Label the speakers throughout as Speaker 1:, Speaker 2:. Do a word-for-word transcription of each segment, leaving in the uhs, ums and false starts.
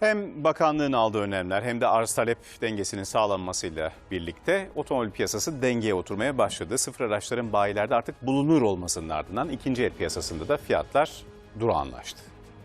Speaker 1: Hem bakanlığın aldığı önlemler hem de arz talep dengesinin sağlanmasıyla birlikte otomobil piyasası dengeye oturmaya başladı. Sıfır araçların bayilerde artık bulunur olmasının ardından ikinci el piyasasında da fiyatlar durağanlaştı.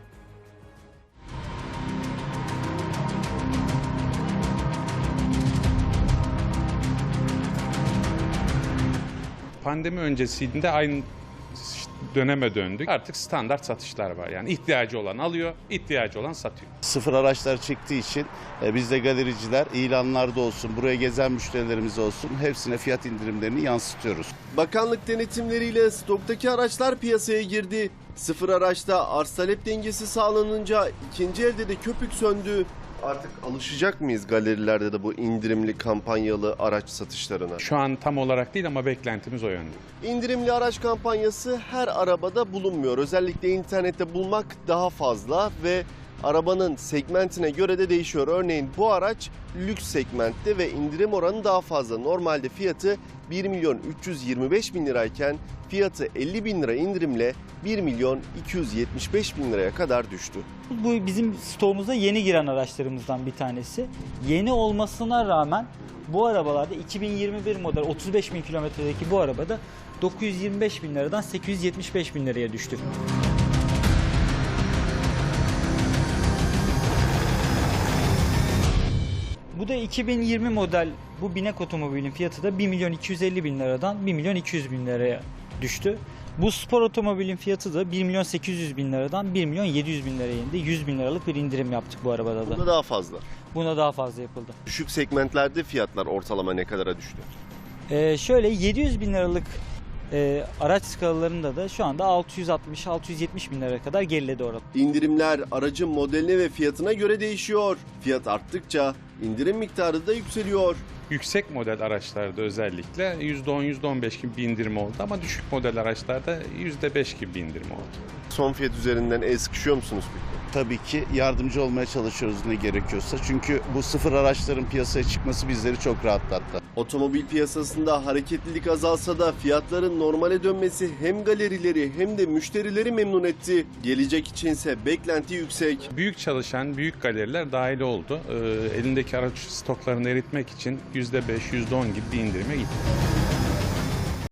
Speaker 2: Pandemi öncesinde aynı döneme döndük. Artık standart satışlar var. Yani ihtiyacı olan alıyor, ihtiyacı olan satıyor.
Speaker 3: Sıfır araçlar çıktığı için e, biz de galericiler ilanlarda olsun, buraya gezen müşterilerimiz olsun hepsine fiyat indirimlerini yansıtıyoruz.
Speaker 4: Bakanlık denetimleriyle stoktaki araçlar piyasaya girdi. Sıfır araçta arz talep dengesi sağlanınca ikinci elde de köpük söndü. Artık alışacak mıyız galerilerde de bu indirimli kampanyalı araç satışlarına?
Speaker 2: Şu an tam olarak değil ama beklentimiz o yönde.
Speaker 4: İndirimli araç kampanyası her arabada bulunmuyor. Özellikle internette bulmak daha fazla ve arabanın segmentine göre de değişiyor. Örneğin bu araç lüks segmentte ve indirim oranı daha fazla. Normalde fiyatı bir milyon üç yüz yirmi beş bin lirayken fiyatı elli bin lira indirimle bir milyon iki yüz yetmiş beş bin liraya kadar düştü.
Speaker 5: Bu bizim stoğumuza yeni giren araçlarımızdan bir tanesi. Yeni olmasına rağmen bu arabalarda iki bin yirmi bir model otuz beş bin kilometredeki bu arabada dokuz yüz yirmi beş bin liradan sekiz yüz yetmiş beş bin liraya düştü. Bu da iki bin yirmi model bu binek otomobilin fiyatı da bir milyon iki yüz elli bin liradan bir milyon iki yüz bin liraya düştü. Bu spor otomobilin fiyatı da bir milyon sekiz yüz bin liradan bir milyon yedi yüz bin liraya indi. yüz bin liralık bir indirim yaptık bu arabada da.
Speaker 4: Bunda daha fazla.
Speaker 5: Buna daha fazla yapıldı.
Speaker 4: Düşük segmentlerde fiyatlar ortalama ne kadara düştü?
Speaker 5: Ee, şöyle yedi yüz bin liralık e, araç skalalarında da şu anda altı yüz altmış altı yüz yetmiş bin liraya kadar geriledi orada.
Speaker 4: İndirimler aracın modeline ve fiyatına göre değişiyor. Fiyat arttıkça indirim miktarı da yükseliyor.
Speaker 2: Yüksek model araçlarda özellikle yüzde on yüzde on beş gibi bir indirim oldu ama düşük model araçlarda yüzde beş gibi bir indirim oldu.
Speaker 4: Son fiyat üzerinden el sıkışıyor musunuz peki?
Speaker 3: Tabii ki yardımcı olmaya çalışıyoruz ne gerekiyorsa. Çünkü bu sıfır araçların piyasaya çıkması bizleri çok rahatlattı.
Speaker 4: Otomobil piyasasında hareketlilik azalsa da fiyatların normale dönmesi hem galerileri hem de müşterileri memnun etti. Gelecek içinse beklenti yüksek.
Speaker 2: Büyük çalışan büyük galeriler dahil oldu. Ee, elindeki araç stoklarını eritmek için yüzde beş yüzde on gibi bir indirime gitti.